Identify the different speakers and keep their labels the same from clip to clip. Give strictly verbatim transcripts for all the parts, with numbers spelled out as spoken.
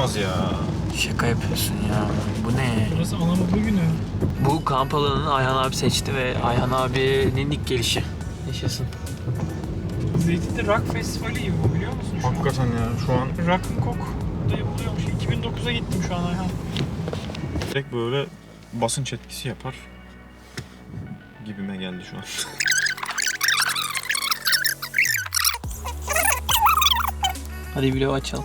Speaker 1: olamaz ya.
Speaker 2: Şaka yapıyorsun ya. Bu ne?
Speaker 3: Burası Anadolu günü.
Speaker 2: Bu kamp alanını Ayhan abi seçti ve Ayhan abinin ilk gelişi. Yaşasın.
Speaker 3: Zeytinli Rock Festivali gibi bu, biliyor musun şu an?
Speaker 1: Hakikaten ya şu an
Speaker 3: Rock'n'Coke'da yapılıyormuş. iki bin dokuza gittim şu an Ayhan.
Speaker 1: direkt böyle basınç etkisi yapar gibime geldi şu an.
Speaker 2: Hadi vlogu açalım.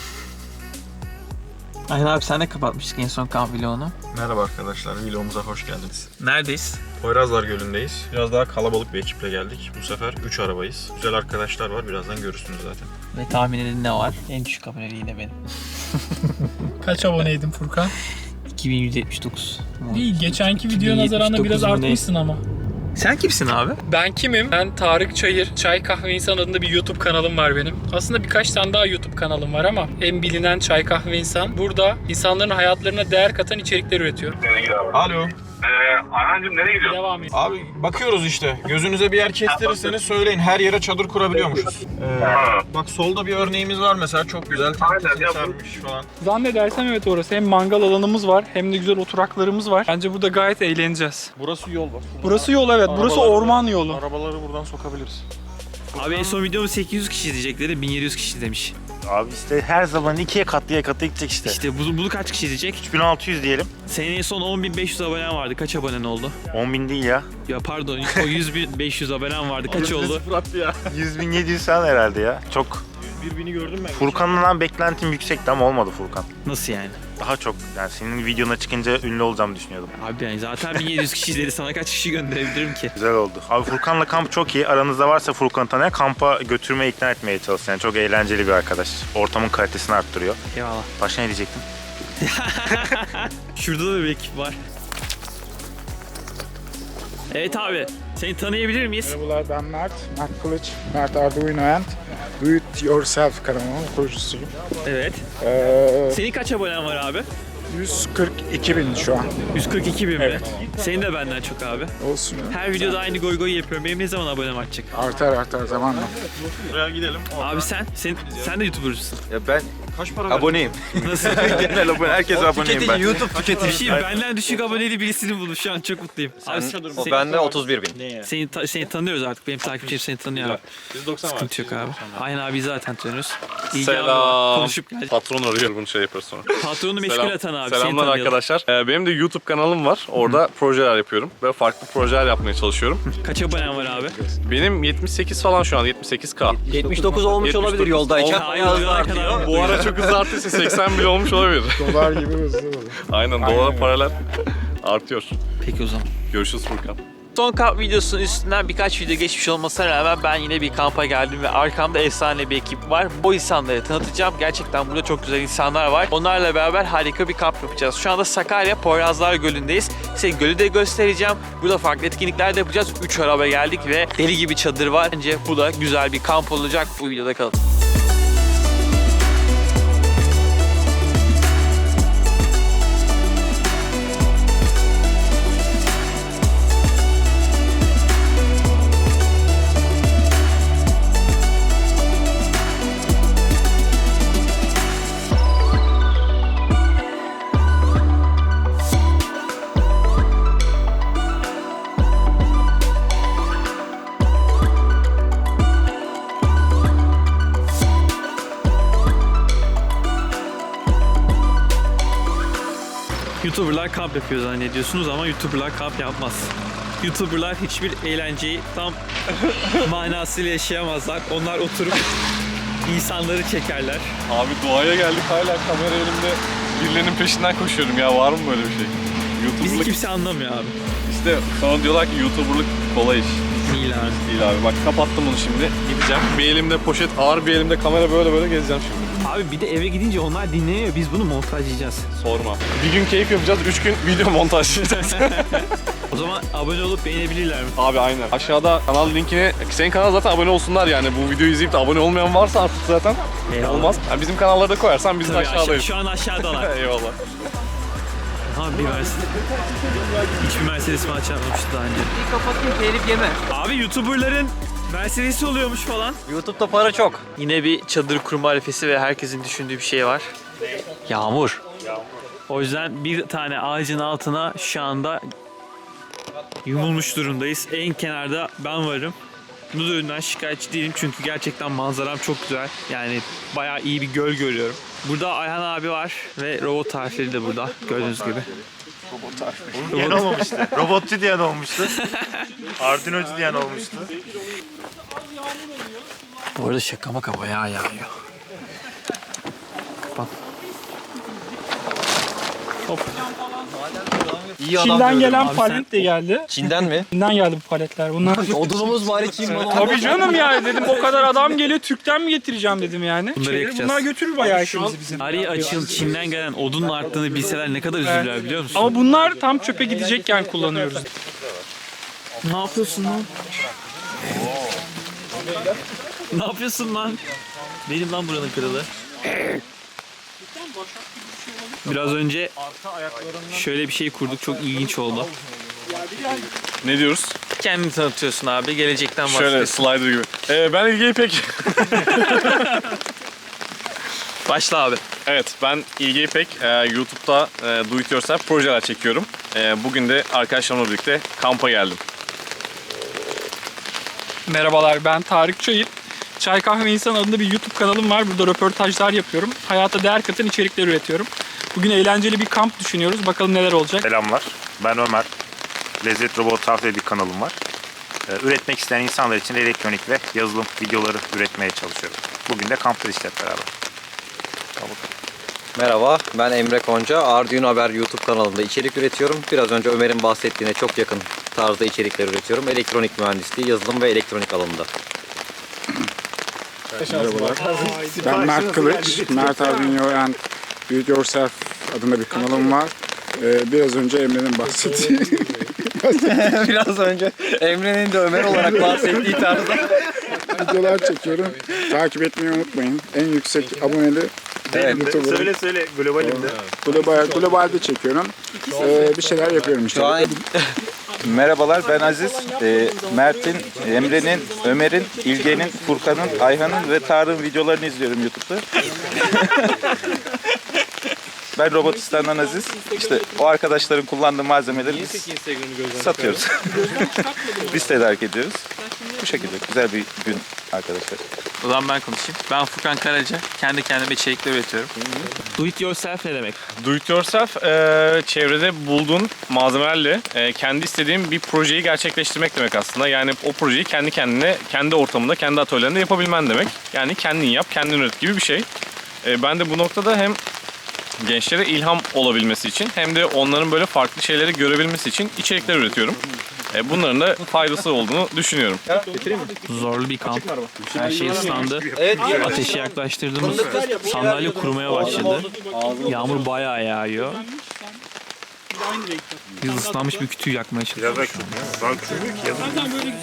Speaker 2: Ayhan abi sen de kapatmıştık en son kamp vlogunu.
Speaker 1: Merhaba arkadaşlar, vlogumuza hoş geldiniz.
Speaker 2: Neredeyiz?
Speaker 1: Poyrazlar Gölü'ndeyiz. Biraz daha kalabalık bir ekiple geldik. Bu sefer üç arabayız. Güzel arkadaşlar var, birazdan görürsünüz zaten.
Speaker 2: Ve tahmin edin ne var? En düşük aboneliği yine benim.
Speaker 3: Kaç aboneydin Furkan?
Speaker 2: iki bin yüz yetmiş dokuz.
Speaker 3: İyi, geçenki video
Speaker 2: iki bin yetmiş
Speaker 3: nazaranla biraz
Speaker 2: dokuz mu ne?
Speaker 3: artmışsın ama.
Speaker 2: Sen kimsin abi?
Speaker 3: Ben kimim? Ben Tarık Çayır. Çay Kahve İnsan adında bir YouTube kanalım var benim. Aslında birkaç tane daha YouTube kanalım var ama en bilinen Çay Kahve İnsan. Burada insanların hayatlarına değer katan içerikler üretiyorum.
Speaker 1: Alo.
Speaker 4: Ee, Ayhan'cığım nereye gidiyorsun?
Speaker 3: Devam et.
Speaker 1: Abi bakıyoruz işte. Gözünüze bir yer kestirirseniz söyleyin. Her yere çadır kurabiliyormuşuz. Ee, bak solda bir örneğimiz var mesela. Çok güzel.
Speaker 4: Aynen ya, bu-
Speaker 1: Sarmış falan.
Speaker 3: Zannedersem evet orası. Hem mangal alanımız var hem de güzel oturaklarımız var. Bence burada gayet eğleneceğiz.
Speaker 1: Burası yol bak.
Speaker 3: Burası yol evet. Burası
Speaker 1: Arabaları-
Speaker 3: orman yolu.
Speaker 1: Arabaları buradan sokabiliriz.
Speaker 2: Abi en son videomu sekiz yüz kişi izleyecekleri bin yedi yüz kişi demiş.
Speaker 5: Abi işte her zaman ikiye katlıya katı gidecek işte.
Speaker 2: İşte bu, bunu kaç kişi izleyecek?
Speaker 5: üç bin altı yüz diyelim.
Speaker 2: Senin en son on bin beş yüz abonen vardı. Kaç abonen oldu?
Speaker 5: on bin değil ya.
Speaker 2: Ya pardon o yüz bin beş yüz abonen vardı. Kaç oldu?
Speaker 1: Fırat ya.
Speaker 5: yüz bin yedi yüz falan herhalde ya. Çok.
Speaker 1: Birbirini gördüm ben.
Speaker 5: Furkan'dan beklentim yüksekti ama olmadı Furkan.
Speaker 2: Nasıl yani?
Speaker 5: Daha çok. Yani senin videona çıkınca ünlü olacağımı düşünüyordum.
Speaker 2: Abi yani zaten bin yedi yüz kişi izledi. Sana kaç kişi gönderebilirim ki?
Speaker 5: Güzel oldu. Abi Furkan'la kamp çok iyi. Aranızda varsa Furkan'ı tanıyan kampa götürmeye ikna etmeye çalışın. Yani çok eğlenceli bir arkadaş. Ortamın kalitesini arttırıyor.
Speaker 2: Eyvallah.
Speaker 5: Başka ne diyecektim?
Speaker 2: Şurada da bir ekip var. Evet abi. Seni tanıyabilir miyiz?
Speaker 6: Merhabalar, ben Mert. Mert Kılıç. Mert Arduino and Do It Yourself kanalının kurucusuyum.
Speaker 2: Evet.
Speaker 6: Ee,
Speaker 2: Senin kaç abonen var abi?
Speaker 6: yüz kırk iki bin şu an.
Speaker 2: yüz kırk iki bin mi?
Speaker 6: Evet.
Speaker 2: Senin de benden çok abi.
Speaker 6: Olsun ya.
Speaker 2: Her videoda aynı goy goy yapıyorum. Benim ne zaman abonem artacak?
Speaker 6: Artar artar zamanla.
Speaker 1: Buraya gidelim.
Speaker 2: Abi sen, sen, sen de YouTuber'cısın.
Speaker 7: Ya ben
Speaker 1: Kaç para
Speaker 7: aboneyim.
Speaker 2: Nasıl?
Speaker 7: Genel abone, herkese aboneyim ben. YouTube tüketici.
Speaker 2: Bir şey, benden düşük aboneli birisini buldum. Şu an çok mutluyum. Abi,
Speaker 7: O bende otuz bir bin.
Speaker 2: Seni, ta- seni tanıyoruz artık. Benim takipçilerim seni tanıyor abi. Sıkıntı yok abi. Aynen abi zaten tanıyoruz. İyi ki abi
Speaker 8: Selam.
Speaker 2: konuşup geldik.
Speaker 8: Patron arıyor bunu şey yapar sonra.
Speaker 2: Patronu meşgul
Speaker 8: Selam.
Speaker 2: atan abi. Seni
Speaker 8: Selamlar
Speaker 2: tanıyalım.
Speaker 8: arkadaşlar. Ee, benim de YouTube kanalım var. Orada projeler yapıyorum ve farklı projeler yapmaya çalışıyorum.
Speaker 2: Kaç abonen var abi?
Speaker 8: Benim yetmiş sekiz falan şu an yetmiş sekiz K.
Speaker 7: yetmiş dokuz olmuş
Speaker 8: yetmiş dokuz.
Speaker 7: olabilir yoldayken.
Speaker 2: Hayır, ne kadar
Speaker 8: Bu ara çok hızlı arttıysa seksen bile olmuş olabilir.
Speaker 6: Dolar gibi hızlı olur.
Speaker 8: Aynen dolara paralel artıyor.
Speaker 2: Peki o zaman.
Speaker 8: Görüşürüz Furkan.
Speaker 2: Son kamp videosunun üstünden birkaç video geçmiş olmasına rağmen ben yine bir kampa geldim ve arkamda efsane bir ekip var. O insanları tanıtacağım. Gerçekten burada çok güzel insanlar var. Onlarla beraber harika bir kamp yapacağız. Şu anda Sakarya Poyrazlar Gölü'ndeyiz. Size gölü de göstereceğim. Burada farklı etkinlikler de yapacağız. üç araba geldik ve deli gibi çadır var. Bence bu da güzel bir kamp olacak. Bu videoda kalın. YouTuber'lar kamp yapıyor zannediyorsunuz ama YouTuber'lar kamp yapmaz. YouTuber'lar hiçbir eğlenceyi tam manasıyla yaşayamazlar. Onlar oturup insanları çekerler.
Speaker 8: Abi doğaya geldik hala kamera elimde birilerinin peşinden koşuyorum ya, var mı böyle bir şey?
Speaker 2: Bizi
Speaker 8: YouTuber'lık
Speaker 2: kimse anlamıyor abi.
Speaker 8: işte sonra diyorlar ki YouTuber'lık kolay iş.
Speaker 2: Değil abi.
Speaker 8: Değil abi, bak kapattım bunu şimdi, gideceğim. Bir elimde poşet, ağır bir elimde kamera, böyle böyle gezeceğim şimdi.
Speaker 2: Abi bir de eve gidince onlar dinleniyor. Biz bunu montajlayacağız.
Speaker 8: Sorma. Bir gün keyif yapacağız, üç gün video montajlayacağız.
Speaker 2: O zaman abone olup beğenebilirler mi?
Speaker 8: Abi aynen. Aşağıda kanal linkini, senin kanala zaten abone olsunlar yani. Bu videoyu izleyip de abone olmayan varsa artık zaten
Speaker 2: Eyvallah.
Speaker 8: olmaz. Yani bizim kanallara da koyarsan biz de
Speaker 2: Tabii aşağı,
Speaker 8: aşağıdayız.
Speaker 2: şu an aşağıdalar.
Speaker 8: Eyvallah.
Speaker 2: Abi bir Mercedes. Hiçbir Mercedes mi açamamıştı daha önce.
Speaker 7: Bir kapatayım telif yeme.
Speaker 2: Abi YouTuber'ların Mercedes oluyormuş falan.
Speaker 7: YouTube'da para çok.
Speaker 2: Yine bir çadır kurma arifesi ve herkesin düşündüğü bir şey var. Yağmur. O yüzden bir tane ağacın altına şu anda yumulmuş durumdayız. En kenarda ben varım. Bu durumdan şikayetçi değilim çünkü gerçekten manzaram çok güzel. Yani bayağı iyi bir göl görüyorum. Burada Ayhan abi var ve robot tarifleri de burada gördüğünüz gibi.
Speaker 5: Bunu diyen olmamıştı. Robotçu diyen olmuştu. Arduino'cu diyen olmuştu.
Speaker 2: Bu arada şaka maka bayağı yağıyor. Bak. Hop.
Speaker 7: İyi adam
Speaker 3: Çin'den
Speaker 7: diyorum.
Speaker 3: gelen
Speaker 2: Abi
Speaker 3: palet de geldi.
Speaker 7: Çin'den mi?
Speaker 3: Çin'den geldi bu paletler. Bunlar
Speaker 7: Odunumuz bari Çin malı.
Speaker 3: Tabii canım yani dedim o kadar adam geliyor Türk'ten mi getireceğim dedim yani.
Speaker 2: Bunları
Speaker 3: Şeyleri-
Speaker 2: yakacağız.
Speaker 3: Bunlar götürür bayağı işimizi bizim.
Speaker 2: Tarihi açıl Çin'den gelen odunun arttığını bilseler ne kadar üzülürler biliyor musun?
Speaker 3: Ama bunlar tam çöpe gidecekken kullanıyoruz.
Speaker 2: Ne yapıyorsun lan? Ne yapıyorsun lan? Benim lan buranın kralı. Biraz önce şöyle bir şey kurduk. Çok ilginç oldu.
Speaker 8: Ne diyoruz?
Speaker 2: Kendini tanıtıyorsun abi. Gelecekten
Speaker 8: Şöyle
Speaker 2: bahsediyorsun.
Speaker 8: slider gibi. Ee, ben İlge İpek.
Speaker 2: Başla abi.
Speaker 8: Evet, ben İlge İpek. Ee, YouTube'da e, do it yourself projeler çekiyorum. Ee, bugün de arkadaşlarımla birlikte kampa geldim.
Speaker 3: Merhabalar, ben Tarık Çayır. Çay Kahve İnsan adında bir YouTube kanalım var. Burada röportajlar yapıyorum. Hayata değer katan içerikler üretiyorum. Bugün eğlenceli bir kamp düşünüyoruz. Bakalım neler olacak.
Speaker 5: Selamlar. Ben Ömer. Lezzet Robot Tarif diye bir kanalım var. Ee, üretmek isteyen insanlar için elektronik ve yazılım videoları üretmeye çalışıyorum. Bugün de kamptayız hep beraber.
Speaker 7: Merhaba, ben Emre Konca. Arduino Haber YouTube kanalında içerik üretiyorum. Biraz önce Ömer'in bahsettiğine çok yakın tarzda içerikler üretiyorum. Elektronik mühendisliği, yazılım ve elektronik alanında.
Speaker 6: Merhabalar. Ben Mert Kılıç. Mert Arduino and Do It Yourself adında bir kanalım var. Ee, biraz önce Emre'nin bahsettiği
Speaker 7: Biraz önce Emre'nin de Ömer olarak bahsettiği tarzda.
Speaker 6: videolar çekiyorum. Takip etmeyi unutmayın. En yüksek aboneli
Speaker 7: Evet.
Speaker 6: YouTuber'ım.
Speaker 5: Söyle söyle globalimde.
Speaker 6: Global, globalde çekiyorum. Ee, bir şeyler yapıyorum işte.
Speaker 7: Şu an
Speaker 9: Merhabalar, ben Aziz. Ee, Mert'in, Emre'nin, Ömer'in, İlge'nin, Furkan'ın, Ayhan'ın ve Tarık'ın videolarını izliyorum YouTube'da. Ben Robotistan'dan Aziz. İşte o arkadaşların kullandığı malzemeleri biz satıyoruz. Biz tedarik ediyoruz. Bu şekilde güzel bir gün arkadaşlar.
Speaker 2: O zaman ben konuşayım. Ben Furkan Karaca. Kendi kendime içerikler üretiyorum. Do it yourself ne demek?
Speaker 8: Do it yourself, e, çevrede bulduğun malzemelerle e, kendi istediğin bir projeyi gerçekleştirmek demek aslında. Yani o projeyi kendi kendine, kendi ortamında, kendi atölyelerinde yapabilmen demek. Yani kendin yap, kendin üret gibi bir şey. E, ben de bu noktada hem gençlere ilham olabilmesi için hem de onların böyle farklı şeyleri görebilmesi için içerikler üretiyorum. E, bunların da faydası olduğunu düşünüyorum.
Speaker 2: Zorlu bir kamp. Her şey ıslandı. Ateşi yaklaştırdığımız sandalye kurumaya başladı. Yağmur bayağı yağıyor. Biz ıslanmış bir kütüğü yakmaya çalışıyoruz.
Speaker 5: Biraz da daha küçük ki yazın.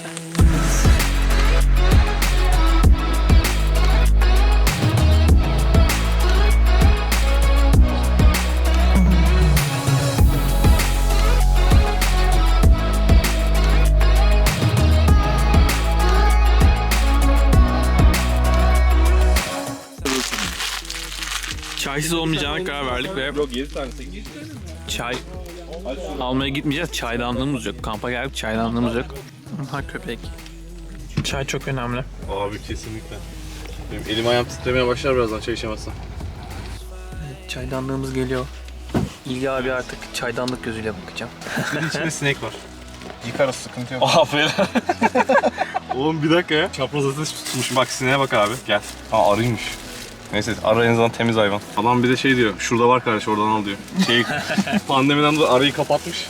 Speaker 2: Çaysız olmayacağına karar verdik ve çay almaya gitmeyeceğiz. Çaydanlığımız yok. Kampa geldik, çaydanlığımız yok. Ha köpek. Çay çok önemli.
Speaker 8: Abi kesinlikle. Benim elim ayağım titremeye başlar birazdan çay içemezsem.
Speaker 2: Çaydanlığımız geliyor. İlgi abi artık çaydanlık gözüyle bakacağım.
Speaker 1: İçinde sinek var. Yıkarız, sıkıntı yok.
Speaker 8: Aferin.
Speaker 1: Oğlum bir dakika ya. Çapraz ateş tutmuş. Bak sineğe bak abi. Gel. Aa arıymış. Neyse arı en azından temiz hayvan.
Speaker 8: Adam bir de şey diyor, şurada var kardeş oradan al diyor. Şey, pandemiden dolayı arayı kapatmış.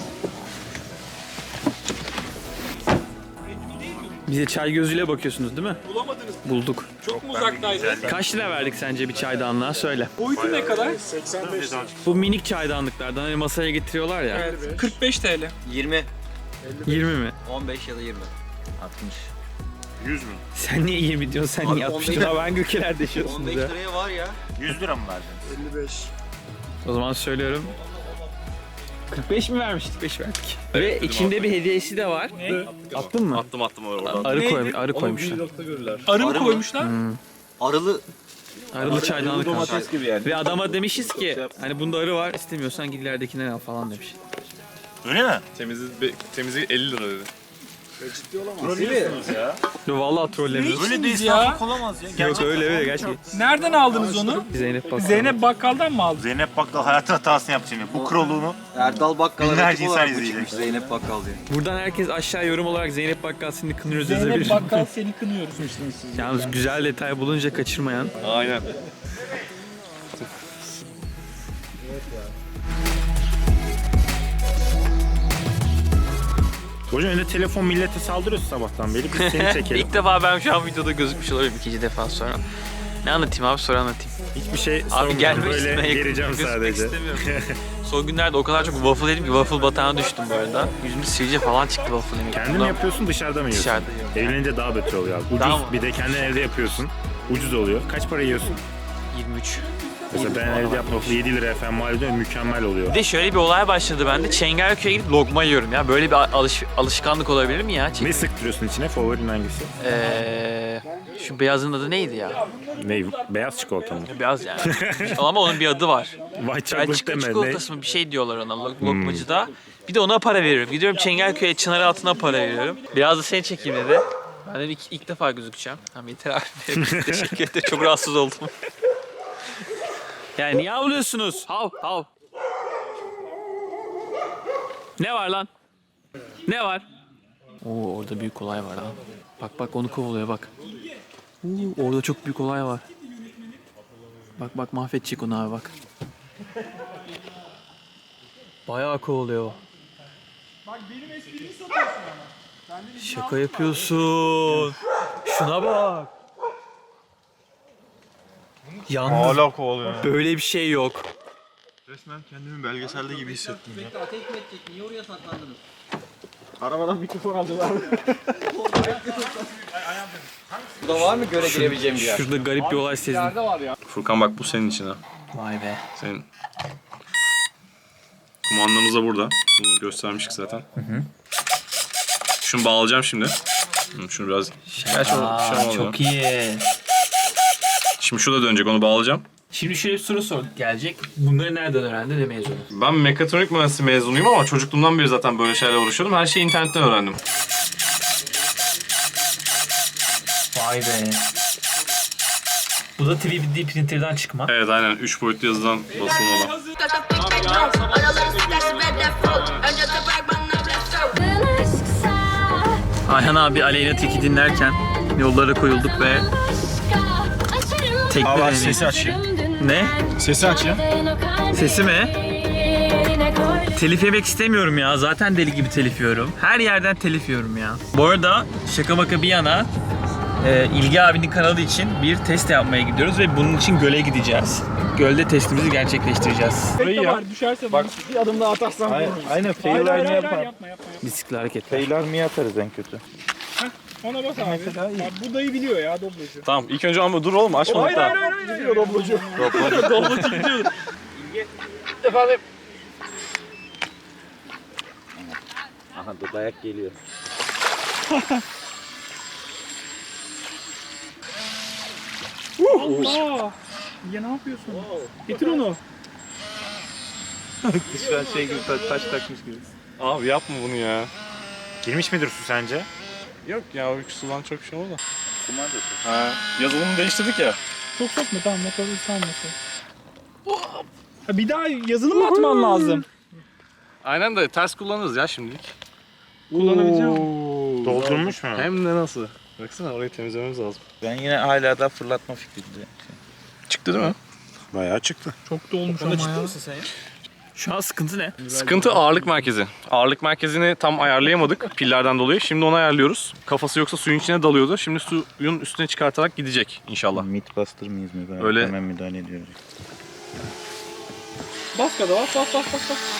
Speaker 2: Bize çay gözüyle bakıyorsunuz değil mi?
Speaker 3: Bulamadınız.
Speaker 2: Bulduk.
Speaker 3: Çok mu uzaktaydı?
Speaker 2: Kaç lira verdik sence bir çaydanlığa? Söyle.
Speaker 3: Boyutu ne kadar?
Speaker 6: seksen beş
Speaker 2: Bu minik çaydanlıklardan hani masaya getiriyorlar ya.
Speaker 3: Evet, kırk beş TL.
Speaker 7: yirmi,
Speaker 2: yirmi mi?
Speaker 7: on beş ya da yirmi. altmış.
Speaker 5: yüz mü?
Speaker 2: Sen niye yirmi diyorsun? Sen
Speaker 7: Abi
Speaker 2: niye
Speaker 7: on
Speaker 2: altmış
Speaker 7: beş
Speaker 2: diyorsun? Ben gökelerde
Speaker 7: on beş
Speaker 2: yaşıyorsunuz ya.
Speaker 7: liraya var ya.
Speaker 5: yüz lira mı verdin?
Speaker 6: elli beş.
Speaker 2: O zaman söylüyorum. kırk beş mi vermiştik? kırk beş verdik. Ve içinde bir hediyesi de var. Attın mı?
Speaker 8: Attım attım orada.
Speaker 2: Arı, koymuş, arı koymuşlar.
Speaker 3: Arı mı koymuşlar?
Speaker 7: Arılı
Speaker 2: Arılı çaydanlık almış.
Speaker 9: Domates gibi yani.
Speaker 2: Ve adama demişiz ki hani bunda arı var istemiyorsan git ileridekinden al falan demiş.
Speaker 5: Öyle mi?
Speaker 8: Temizliği, temizliği elli lira dedi.
Speaker 2: Yo vallahi trollemiyoruz.
Speaker 3: Öyle değil ya.
Speaker 5: Olamaz ya.
Speaker 2: Yok öyle öyle gerçekten.
Speaker 3: Nereden aldınız onu?
Speaker 2: Zeynep bak.
Speaker 3: Zeynep Bakkal'dan mı aldın?
Speaker 5: Zeynep Bakkal hayatı hatasını yaptı şimdi. Bu kroluğunu
Speaker 7: Erdal Bakkal'a
Speaker 5: Binlerce
Speaker 7: rakip
Speaker 5: insan
Speaker 7: olarak mı
Speaker 5: izleyecek.
Speaker 7: çıkmış Zeynep Bakkal diye.
Speaker 2: Buradan herkes aşağı yorum olarak Zeynep Bakkal seni kınıyoruz
Speaker 3: Zeynep
Speaker 2: yazabilir.
Speaker 3: Bakkal seni kınıyoruz.
Speaker 2: Yalnız güzel detay bulunca kaçırmayan.
Speaker 8: Aynen.
Speaker 5: Hocam önde telefon millete saldırıyorsun sabahtan beri. Biz seni çekelim.
Speaker 2: İlk defa ben şu an videoda gözükmüş oluyorum ikinci defa sonra. Ne anlatayım abi sonra anlatayım.
Speaker 5: Hiçbir şey
Speaker 2: Abi
Speaker 5: sormuyorum.
Speaker 2: gelmek
Speaker 5: Böyle
Speaker 2: istemeye
Speaker 5: geleceğim
Speaker 2: gözükmek
Speaker 5: sadece.
Speaker 2: istemiyorum. Son günlerde o kadar çok waffle yedim ki waffle batağına düştüm bu arada. Yüzümde sivilce falan çıktı waffle yemek.
Speaker 5: Kendin mi yapıyorsun dışarıda mı yiyorsun?
Speaker 2: Dışarıda yiyorum.
Speaker 5: Evlenince daha beter oluyor abi. Ucuz
Speaker 2: Daha mı?
Speaker 5: bir de kendin evde yapıyorsun. Ucuz oluyor. Kaç para yiyorsun?
Speaker 2: yirmi üç.
Speaker 5: Mesela ben evde yaptım yedi lira efendim mal ediyor mükemmel oluyor.
Speaker 2: Bir de şöyle bir olay başladı bende. Çengelköy'e gidip lokma yiyorum ya. Böyle bir alış alışkanlık olabilir mi ya?
Speaker 5: Ne sıktırıyorsun içine? Favorin hangisi?
Speaker 2: Eee şu beyazın adı neydi ya?
Speaker 5: Ne? Beyaz çikolata mı?
Speaker 2: Beyaz yani. Ama onun bir adı var.
Speaker 5: White
Speaker 2: Belçika
Speaker 5: chocolate deme. Ne?
Speaker 2: çikolatası mı bir şey diyorlar ona lok- lokmacıda. Bir de ona para veriyorum. Gidiyorum Çengelköy'e çınar altına para veriyorum. Biraz da seni çekeyim dedi. Ben de ilk, ilk defa gözükeceğim. Tamam yeter abi. Teşekkür ederim. Çok rahatsız oldum. Yani niye avlıyorsunuz? Hav hav. Ne var lan? Ne var? Oo orada büyük olay var lan. Bak bak onu kovalıyor bak. Oo, orada çok büyük olay var. Bak bak mahvedecek onu abi bak. Bayağı kovalıyor o.
Speaker 3: Bak benim esprimi satıyorsun ama.
Speaker 2: Şaka yapıyorsun. Şuna bak. Yalnız
Speaker 1: Hala kovalıyor.
Speaker 2: böyle bir şey yok.
Speaker 1: Resmen kendimi belgeselde gibi hissettim ya.
Speaker 7: Ateş mi edecek? Niye oraya saklandınız?
Speaker 1: Arabadan mikrofon aldılar.
Speaker 7: Burada var mı göle girebileceğim bir yer?
Speaker 2: Şurada garip bir olay sezdim.
Speaker 8: Furkan bak bu senin için ha.
Speaker 2: Vay be.
Speaker 8: Senin. Kumandanız da burada. Bunu göstermiştik zaten. Hı hı. Şunu bağlayacağım şimdi. Hı, Şunu biraz... Gerçi o
Speaker 2: Aa,
Speaker 8: şey olmuyor.
Speaker 2: çok iyi.
Speaker 8: Şimdi şu da dönecek, onu bağlayacağım.
Speaker 2: Şimdi şöyle bir soru sorduk gelecek. Bunları nereden öğrendi de mezunu?
Speaker 8: Ben mekatronik mühendisliği mezunuyum ama çocukluğumdan beri zaten böyle şeylerle uğraşıyordum. Her şeyi internetten öğrendim.
Speaker 2: Vay be. Bu da üç D printer'dan çıkma.
Speaker 8: Evet aynen. üç boyutlu yazıdan basılmalı.
Speaker 2: Ayhan abi Aleyna Tilki dinlerken yollara koyulduk ve tekne
Speaker 1: Abi aç,
Speaker 2: deneyi-
Speaker 1: sesi aç ya.
Speaker 2: Ne?
Speaker 1: Sesi aç ya.
Speaker 2: Sesi mi? Telif yemek istemiyorum ya. Zaten deli gibi telif yiyorum. Her yerden telif yiyorum ya. Bu arada şaka maka bir yana e, İlgi abinin kanalı için bir test yapmaya gidiyoruz ve bunun için göle gideceğiz. Gölde testimizi gerçekleştireceğiz.
Speaker 3: Burayı ya. Düşerse bak
Speaker 1: Bir adım daha atarsan
Speaker 9: Aynen, aynen fail
Speaker 3: Hayır, hayır,
Speaker 9: army
Speaker 3: hayır,
Speaker 9: yapar.
Speaker 3: yapma yapma.
Speaker 2: Bisiklet hareketler.
Speaker 9: Fail army atarız en kötü.
Speaker 3: Ona bas abi.
Speaker 9: Mesela iyi.
Speaker 3: Bak, bu dayı biliyor ya doblocu.
Speaker 8: Tamam ilk önce ama dur oğlum açmadık
Speaker 3: Hayır
Speaker 8: daha.
Speaker 3: hayır hayır. hayır. Biliyor doblocu.
Speaker 8: Doblocu gidiyor.
Speaker 3: Efendim.
Speaker 9: Aha dur dayak geliyor.
Speaker 3: Allah. Ya ne yapıyorsun? Getir onu.
Speaker 9: Şu an şey gibi ta- taş takmış gibi.
Speaker 8: Abi yapma bunu ya.
Speaker 5: Girmiş midir su sence?
Speaker 8: Yok ya o sudan çok şey oldu. Ha, yazılımı değiştirdik ya.
Speaker 3: Çok sokma tamam motoru ıslanmasın. Ha, bir daha yazılı mı atman lazım?
Speaker 8: Aynen de ters kullanırız ya şimdilik.
Speaker 3: Kullanabileceğim.
Speaker 5: Doldurmuş mu?
Speaker 8: Hem de nasıl? Baksana orayı temizlememiz lazım.
Speaker 9: Ben yine hala da fırlatma fikrinde.
Speaker 8: Çıktı değil mi?
Speaker 5: Bayağı çıktı.
Speaker 3: Çok da olmuş ama ya.
Speaker 2: Şu an sıkıntı ne?
Speaker 8: Sıkıntı ağırlık merkezi. Ağırlık merkezini tam ayarlayamadık pillerden dolayı. Şimdi onu ayarlıyoruz. Kafası yoksa suyun içine dalıyordu. Şimdi suyun üstüne çıkartarak gidecek inşallah.
Speaker 9: Mythbuster mıyız mı? Ben
Speaker 8: Öyle.
Speaker 9: hemen müdahale ediyoruz.
Speaker 3: Bas kada bas bas bas bas. bas.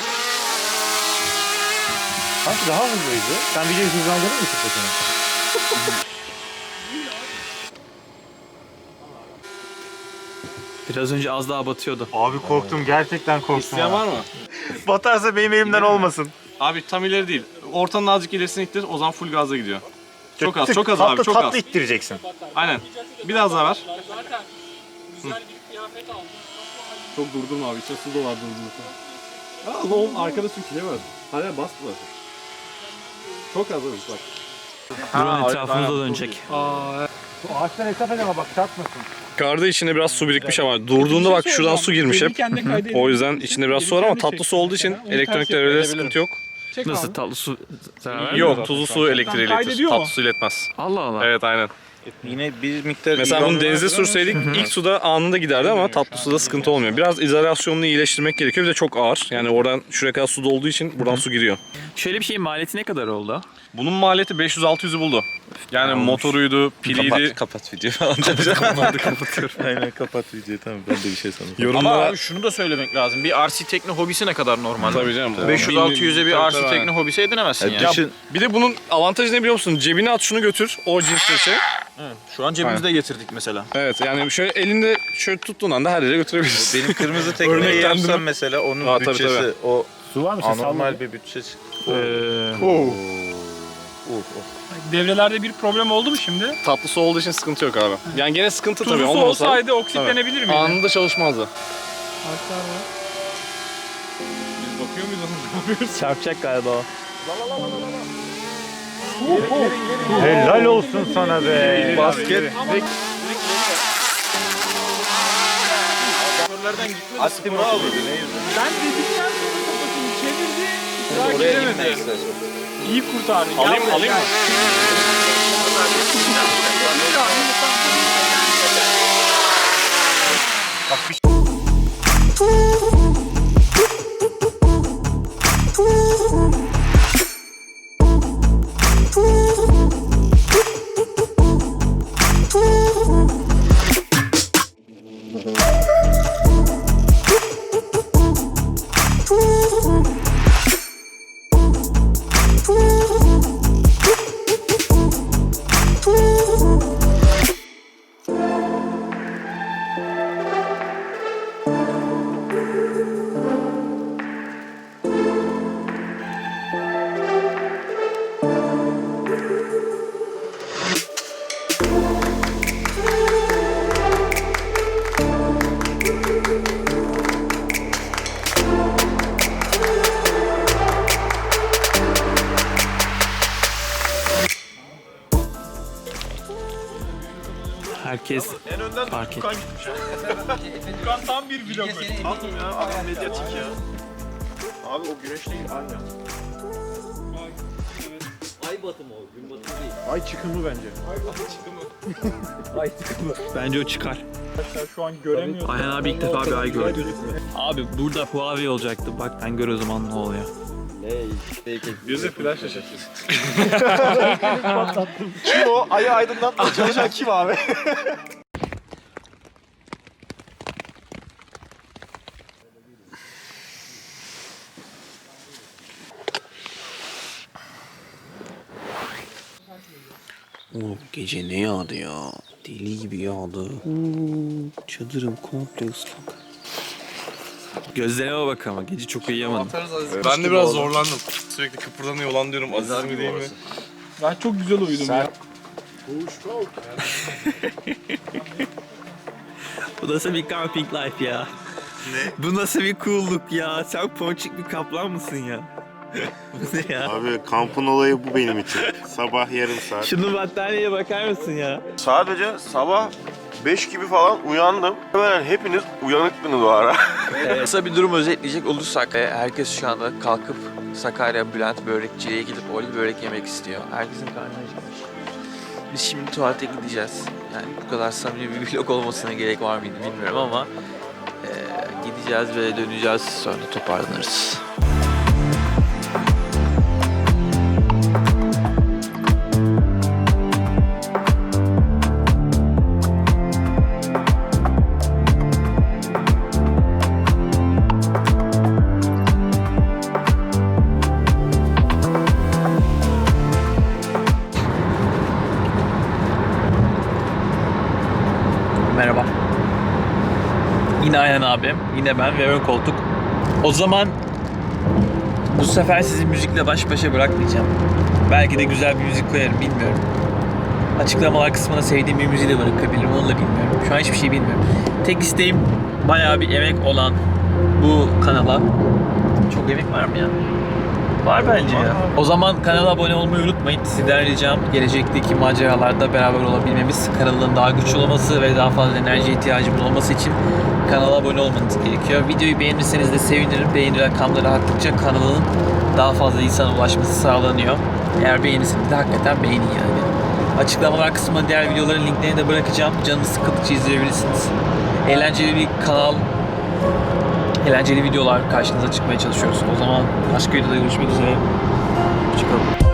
Speaker 5: Sanki daha hızlıydı. Sen videoyu hızlandırır mısın peki?
Speaker 2: Biraz önce az daha batıyordu.
Speaker 5: Abi korktum, gerçekten korktum.
Speaker 8: İsteyen var mı?
Speaker 5: Batarsa benim elimden olmasın.
Speaker 8: Abi tam ileri değil. Ortanın azıcık ilerisine ittir. O zaman full gazla gidiyor. Çok az,
Speaker 5: Tık,
Speaker 8: çok az
Speaker 5: tatlı,
Speaker 8: abi, çok
Speaker 5: tatlı
Speaker 8: az.
Speaker 5: ittireceksin.
Speaker 8: Aynen. Biraz daha ver.
Speaker 3: Zaten güzel bir kıyafet aldım.
Speaker 8: Çok durdurma abi. İçine su dolar durdurma. Aa, oğlum arkada su kilemez. Hala bastılar. Çok az abi bak.
Speaker 2: Buranın etrafımızda dönecek.
Speaker 5: Ağaçtan hesap edeme bak, çarpmasın.
Speaker 8: Karda içinde biraz su birikmiş ama durduğunda bak şuradan su girmiş hep. O yüzden içinde biraz su var ama tatlı su olduğu için elektronik devrede sıkıntı yok.
Speaker 2: Nasıl tatlı su zarar vermiyor?
Speaker 8: Yok, tuzlu su elektriği iletir. Tatlı su iletmez.
Speaker 2: Allah Allah.
Speaker 8: Evet, aynen.
Speaker 5: Yine bir miktar...
Speaker 8: Mesela bunu denize sürseydik ilk suda anında giderdi ama tatlı suda sıkıntı olmuyor. Biraz izolasyonunu iyileştirmek gerekiyor. Bir de çok ağır. Yani oradan şuraya kadar su olduğu için buradan su giriyor.
Speaker 2: Şöyle bir şeyin maliyeti ne kadar oldu?
Speaker 8: Bunun maliyeti beş yüz altı yüzü buldu. Yani motoruydu, piliydi.
Speaker 9: Kapat, kapat videoyu falan.
Speaker 2: Kapatıyorum.
Speaker 9: Aynen kapat videoyu, tamam ben de bir şey sanırım.
Speaker 1: Ama
Speaker 8: Yorumlara...
Speaker 1: abi şunu da söylemek lazım. Bir R C tekne hobisi ne kadar normal?
Speaker 8: Tabii canım.
Speaker 1: beş yüz altı yüze bir
Speaker 8: Tabii,
Speaker 1: R C
Speaker 8: tabii,
Speaker 1: tekne hobisi edinemezsin yani.
Speaker 8: Ya,
Speaker 9: Düşün,
Speaker 8: bir de bunun avantajı ne biliyor musun? Cebine at şunu götür. O cins bir şey.
Speaker 1: Şu an cebimizde getirdik mesela.
Speaker 8: Evet, yani şöyle elinde şöyle tuttuğun anda her yere götürebilirsin.
Speaker 9: benim kırmızı tekneyi
Speaker 8: Örneklendirme.
Speaker 9: yapsam mesela onun
Speaker 8: Aa, tabii,
Speaker 9: bütçesi
Speaker 8: tabii.
Speaker 9: o
Speaker 5: Su var mı?
Speaker 9: anormal bir bütçesi.
Speaker 3: Devrelerde bir problem oldu mu şimdi?
Speaker 8: Tatlı su olduğu için sıkıntı yok abi. Yani gene sıkıntı tabii.
Speaker 3: Tuzlu su
Speaker 8: olmasa-
Speaker 3: olsaydı oksitlenebilir miydi?
Speaker 8: Anında çalışmazdı.
Speaker 3: Hatta var.
Speaker 8: Biz bakıyor muyuz?
Speaker 2: Çarpacak galiba o.
Speaker 5: Helal olsun sana be.
Speaker 9: Basket.
Speaker 5: Asti bravo.
Speaker 3: Ben dedikten sonra kafasını çevirdi. Daha gidemedi. İyi kurtardı.
Speaker 8: Alayım
Speaker 3: Gel
Speaker 8: alayım
Speaker 3: buraya,
Speaker 8: mı?
Speaker 2: Herkes fark etti.
Speaker 1: Furkan tam bir vlogger. Tamam ya, adam medyatik ya. Abi o güneş değil, aynen.
Speaker 7: Ay batımı o, gün batımı değil.
Speaker 1: Ay çıkımı bence.
Speaker 2: Bence o çıkar.
Speaker 3: Şu an göremiyorum.
Speaker 2: Ayhan abi ilk defa bir ay gördü. Abi burada Huawei olacaktı. Bak ben gör o zaman ne oluyor.
Speaker 8: Yüzü flash yaşatıyorsun.
Speaker 1: Kim o? Ayı aydınlatmaya çalışan kim abi?
Speaker 2: Oğlum gece ne yağdı ya? Deli gibi yağdı. Oo, çadırım komple ıslak. Gözlerime bak ama gece çok uyuyamadım.
Speaker 8: Ben de biraz zorlandım. Sürekli kıpırdanıyor olan diyorum. Aziz mi değil mi?
Speaker 3: Ben çok güzel uyudum ya.
Speaker 2: Bu nasıl bir camping life ya? Ne? Bu nasıl bir cool'luk ya? Sen ponçik bir kaplan mısın ya? Bu ne ya?
Speaker 10: Abi kampın olayı bu benim için. Sabah yarım saat.
Speaker 2: Şunun battaniyeye bakar mısın ya?
Speaker 10: Sadece sabah beş gibi falan uyandım. Hemen hepiniz uyanıktınız o ara.
Speaker 2: Kısa bir durum özetleyecek olursak herkes şu anda kalkıp Sakarya Bülent Börekçi'ye gidip orada börek yemek istiyor. Herkesin karnı acıkmış. Biz şimdi tuvalete gideceğiz. Yani bu kadar samimi bir vlog olmasına gerek var mıydı bilmiyorum ama e, gideceğiz ve döneceğiz, sonra toparlanırız. Merhaba. Yine Ayhan abim, yine ben ve ön koltuk. O zaman bu sefer sizi müzikle baş başa bırakmayacağım. Belki de güzel bir müzik koyarım, bilmiyorum. Açıklamalar kısmına sevdiğim bir müziği de bırakabilirim, onu da bilmiyorum. Şu an hiçbir şey bilmiyorum. Tek isteğim bayağı bir emek olan bu kanala. Çok emek var mı ya? Var bence ya. O zaman kanala abone olmayı unutmayın. Sizden ricam gelecekteki maceralarda beraber olabilmemiz, kanalın daha güçlü olması ve daha fazla enerji ihtiyacımız olması için kanala abone olmanız gerekiyor. Videoyu beğenirseniz de sevinirim. Beğeni rakamları arttıkça kanalın daha fazla insana ulaşması sağlanıyor. Eğer beğenirseniz de hakikaten beğenin yani. Açıklamalar kısmına diğer videoların linklerini de bırakacağım. Canınız sıkıldıkça izleyebilirsiniz. Eğlenceli bir kanal, eğlenceli videolar karşınıza çıkmaya çalışıyoruz. O zaman başka videoda görüşmek üzere. Hoşçakalın.